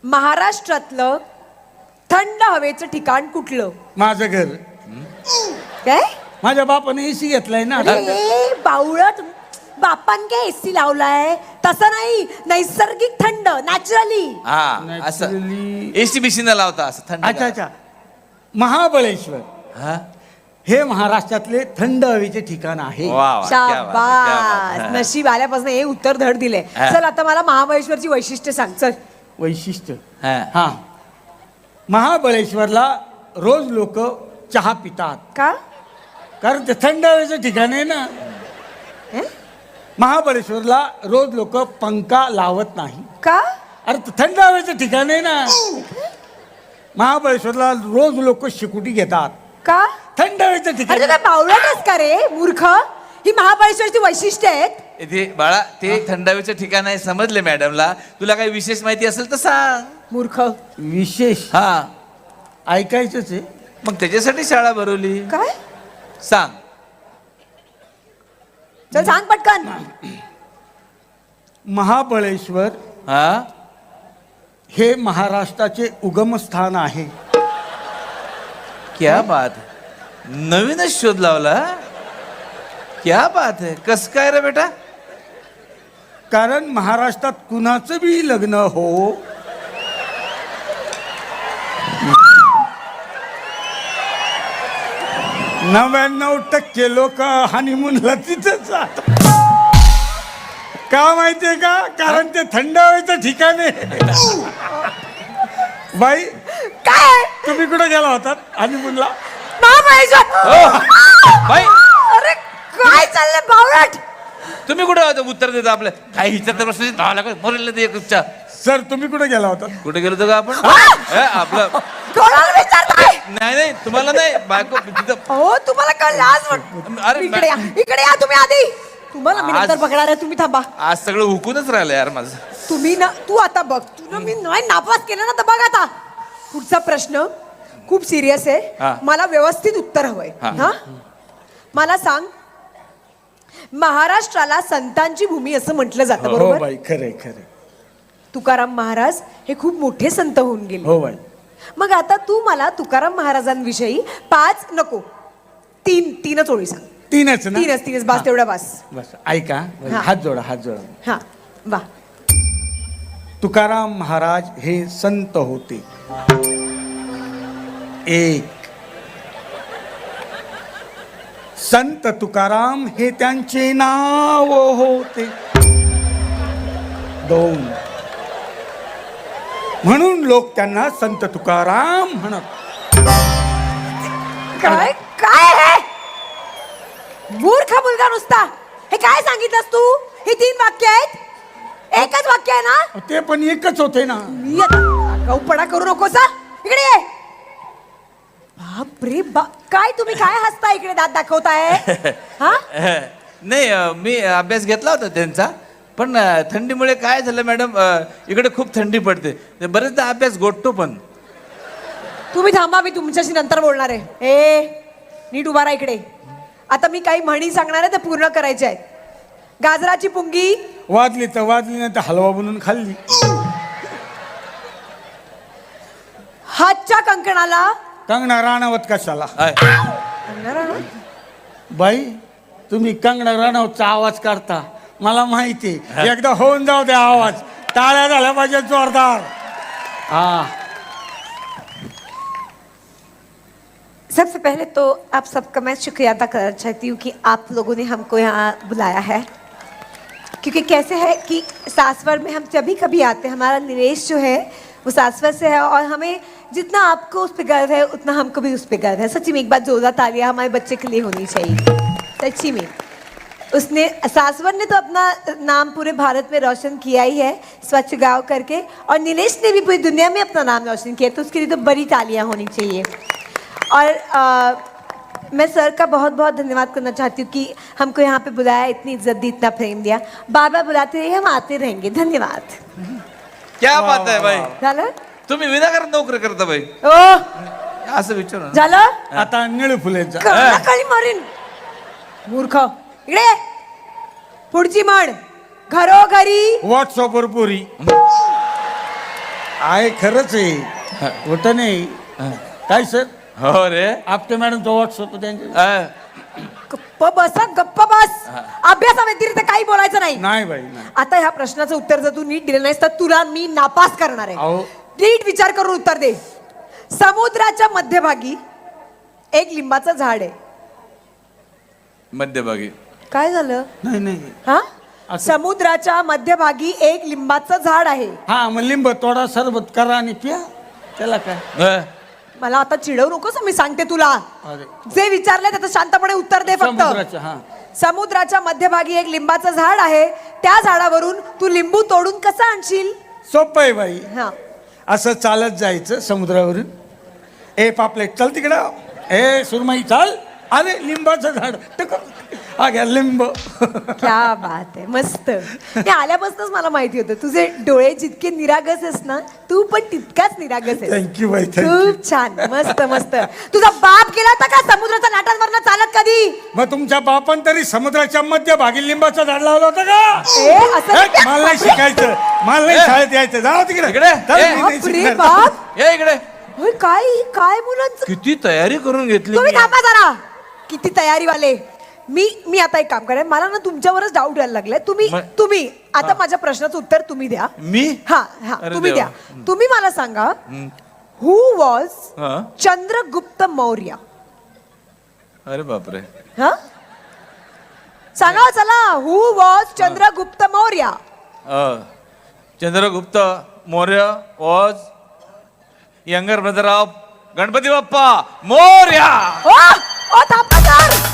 महाराष्ट्रातलं थंड हवेचं ठिकाण कुठलं? माझं घर. काय? माझ्या बापाने एसी घेतलाय ना. अरे बावळट, बापान काय एसी लावलाय? तसं नाही, नैसर्गिक थंड, नॅचरली. हा असं Naturally. एसी बिसी न लावता असं थंड. अच्छा अच्छा. महाबळेश्वर हा हे महाराष्ट्रातले थंड हवेचे ठिकाण आहे. वा वा, क्या बात है, क्या बात शाबास, है. नशीब आल्यापासून हे उत्तर धड दिले. हा. चल आता मला महाबळेश्वरची वैशिष्ट्य सांग. चल. वैशिष्ट्य हा. हा, महाबळेश्वरला रोज लोक चहा पितात का? कारण ते थंड हवेचं ठिकाण आहे ना. हे? महाबळेश्वरला रोज लोक पंखा लावत नाही. का? अरे ते थंड हवेचं ठिकाण आहे ना. महाबळेश्वरला रोज लोक शिकुटी घेतात. का? थंड हवेचं अरे ठिकाण. तू काय बावळटच का रे मूर्ख? ही महाबळेश्वरची वैशिष्ट्य आहेत. इथे बाळा ते थंडावीचं ठिकाण आहे समजले मॅडमला. तुला काही विशेष माहिती असेल तर सांग. मूर्ख. विशेष हा ऐकायचंच आहे. मग त्याच्यासाठी शाळा भरवली. काय? सांग. चल सांग पटकन. महाबळेश्वर हा हे महाराष्ट्राचे उगमस्थान आहे. क्या बात है. नवीनच शोध लावला. क्या बात है. कस काय रे बेटा? कारण महाराष्ट्रात कुणाचं बी लग्न हो, 99% लोक हनीमूनला तिथंच जातात. का माहितीये का? कारण ते थंड हवेचं ठिकाण आहे. बाई काय? तुम्ही कुठे गेला होता हनीमूनला? महाबळेश्वर. बाई अरे काय चाललंय बावळट? तुम्ही कुठे होता? उत्तर देतो आपलं काही हिच्यात प्रश्न धावा लागत मरेल ते एकच्या. सर तुम्ही कुठे गेला होता? कुठे गेलो होतो का आपण? आपलं कोणाला विचारताय? नाही नाही तुम्हाला नाही बायको तिथं. हो तुम्हाला कळलं आज वाट. अरे इकडे या, इकडे या तुम्ही आधी. तुम्हाला मी नंतर आज- बघणार आहे, तुम्ही थांबा. आज सगळं हुकूनच राहिलं यार माझं. तुम्ही ना, तू आता बघ. तुला मी नाही नापास केलं ना, तर बघ आता. पुढचा प्रश्न खूप सिरियस हा. आहे. मला व्यवस्थित उत्तर हवंय. हा. हा, मला सांग, महाराष्ट्राला संतांची भूमी असं म्हटलं जातं, हो बरोबर? बाई, खरंय खरंय. तुकाराम महाराज हे खूप मोठे संत होऊन गेले. हो बाई. मग आता तू मला तुकाराम महाराजांविषयी 5 नको 3च ओळी सांग. तीनच ना? तीनच बास, तेवढा बास. बस ऐका. हा. हात जोडा, हात जोडा. हा वा. तुकाराम महाराज हे संत होते. एक, संत तुकाराम हे त्यांचे नाव होते. 2, म्हणून लोक त्यांना संत तुकाराम म्हणत. काय काय हे मूर्ख मुलगा नुसता. हे काय सांगितलंस तू? ही 3 वाक्य आहेत? एकच वाक्य आहे ना? ते पण एकच होते ना. मी आता गौपणा करू नकोस हा. इकडे ये. बाप रे बाप, काय तुम्ही काय हसता इकडे दात दाखवताय? हा, नाही मी अभ्यास घेतला होता त्यांचा. पण थंडीमुळे काय झालं मॅडम, इकडे खूप थंडी पडते. बरेचदा अभ्यास गोठतो पण. तुम्ही थांबा, मी तुमच्याशी नंतर बोलणार आहे. ए नीट उभा राहा इकडे. आता मी काही म्हणी सांगणार आहे, ते पूर्ण करायचे आहेत. गाजराची पुंगी वाजली तर वाजली, नाही तर हलवा बनवून खाल्ली. हातच्या कंकणाला कंगना राणावत कशाला? बाई तुम्ही कंगना राणावतचा आवाज काढता, मला माहिती. एकदा होऊन जाऊ द्या आवाज. टाळ्या झाल्या पाहिजे जोरदार. हा. सबसे पहले तो आप सबका मैं शुक्रिया अदा करना चाहती हूँ कि आप लोगों ने हमको यहाँ बुलाया है. क्योंकि कैसे है कि सासवर में हम जब भी कभी आते हैं, हमारा निवेश जो है वो सासवर से है, और हमें जितना आपको उस पर गर्व है उतना हमको भी उस पर गर्व है. सच्ची में एक बार जोरदार तालियां हमारे बच्चे के लिए होनी चाहिए. सच्ची में उसने, सासवर ने तो अपना नाम पूरे भारत में रोशन किया ही है स्वच्छ गाँव करके, और नीलेश ने भी पूरी दुनिया में अपना नाम रोशन किया. तो उसके लिए तो बड़ी तालियां होनी चाहिए. और मैं सर का बहुत बहुत धन्यवाद करना चाहती हूँ कि हमको यहाँ पे बुलाया, इतनी इज्जत दी, इतना प्रेम दिया. बार बार बुलाते रहिए, हम आते रहेंगे. धन्यवाद. क्या बात आहे बाई. झालं? तुम्ही विनाकारण नोकरी करता बाई. ओ असं विचारू ना. झालं? आता निळू फुलेचा. कळी मारीन मूर्ख. इकडे पुढची म्हण, घरोघरी व्हॉट्सअपवर पुरी. आहे खरंच आहे होत नाही काय सर हो रे आपटे मॅडम तो व्हॉट्सअप त्यांचे गप्प बस हं, गप्प बस अभ्यासाव्यतिरिक्त काही बोलायचं नाही नाही बाई नाही आता ह्या प्रश्नाचं उत्तर जर तू नीट दिलं नाहीस तर तुला मी नापास करणार आहे अहो. नीट विचार करून उत्तर दे समुद्राच्या मध्यभागी एक लिंबाचं झाड आहे मध्यभागी काय झालं नाही नाही हा असं- समुद्राच्या मध्यभागी एक लिंबाचं झाड आहे हा मग लिंब तोडा सरबत करा आणि प्या त्याला काय मला आता चिडवू नकोस मी सांगते तुला अरे जे विचारले त्याचं शांतपणे उत्तर दे फक्त समुद्राच्या हा समुद्राच्या मध्यभागी एक लिंबाचं झाड आहे त्या झाडावरून तू लिंबू तोडून कसं आणशील सोपं आहे बाई हा असं चालत जायचं समुद्रावरून ए पापलेट चल तिकडं ए सुरमई चाल अरे लिंबाचं झाड टक हा घ्या लिंब क्या बात आहे मस्त हे आल्यापासूनच मला माहिती होतं तुझे डोळे जितके निरागस आहेस ना तू पण तितकाच निरागस आहेस थँक्यू बाई थँक्यू खूप छान मस्त मस्त तुझा बाप गेला होता का समुद्राच्या लाटांवरनं चालत कधी मग तुमच्या बापान तरी समुद्राच्या मध्यभागी लिंबाचं झाड लावलं होतं का असं हे, मला नाही शिकायचं मला नाही शाळेत यायचं जाऊ तिकडे इकडे. चल, ए, मी नाही बापरे शिकणार. बाप ये इकडे होय काय काय मुलांचं किती तयारी करून घेतली तुम्ही मी. थांबा जरा किती तयारी वाले मी आता एक काम करेन मला ना तुमच्यावरच डाऊट यायला लागलाय तुम्ही आता माझ्या प्रश्नाचं उत्तर तुम्ही द्या मी हा हा अरे तुम्ही देवा. द्या तुम्ही मला सांगा हु वॉज हा. चंद्रगुप्त मौर्य अरे बापरे हा सांगा चला who was Chandragupta Maurya Chandragupta Maurya was younger brother of Ganpati Bappa Morya ओ थांबा सर